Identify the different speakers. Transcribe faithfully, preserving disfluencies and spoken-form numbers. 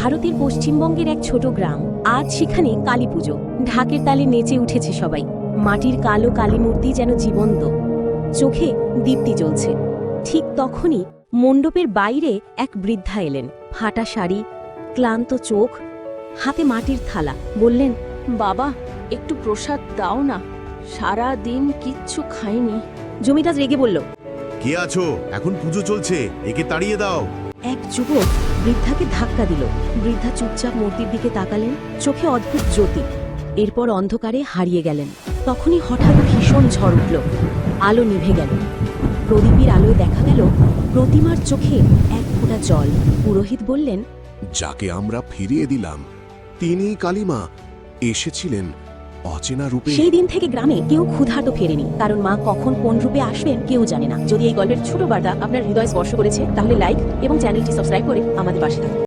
Speaker 1: ভারতের পশ্চিমবঙ্গের এক ছোট গ্রাম। আজ সেখানে কালী পুজো। ঢাকের তালে নেচে উঠেছে সবাই। মাটির কালো কালী মূর্তি যেন জীবন্ত, চোখে দীপ্তি জ্বলছে। ঠিক তখনই মণ্ডপের বাইরে এক বৃদ্ধা এলেন। ফাটা শাড়ি, ক্লান্ত চোখ, হাতে মাটির থালা। বললেন,
Speaker 2: বাবা, একটু প্রসাদ দাও না, সারা দিন কিচ্ছু খাইনি।
Speaker 1: জমিদার রেগে বলল,
Speaker 3: কে আছো? এখন পুজো চলছে, একে তাড়িয়ে দাও।
Speaker 1: এক যুবক বৃদ্ধাকে ধাক্কা দিল। বৃদ্ধা চুপচাপ মূর্তির দিকে তাকালেন, চোখে অদ্ভুত জ্যোতি। এরপর অন্ধকারে হারিয়ে গেলেন। তখনই হঠাৎ ভীষণ ঝড় উঠল। আলো নিভে গেল। প্রদীপের আলোয় দেখা গেল প্রতিমার চোখে এক ফোঁটা জল। পুরোহিত বললেন,
Speaker 4: যাকে আমরা ফিরিয়ে দিলাম তিনি কালীমা এসেছিলেন অচেনা রূপে।
Speaker 1: সেই দিন থেকে গ্রামে কেউ ক্ষুধার্ত ফেরেনি, কারণ মা কখন কোন রূপে আসবেন কেউ জানে না। যদি এই গল্পের ছোট বার্তা আপনার হৃদয় স্পর্শ করেছে, তাহলে লাইক এবং চ্যানেলটি সাবস্ক্রাইব করে আমাদের পাশে থাকুন।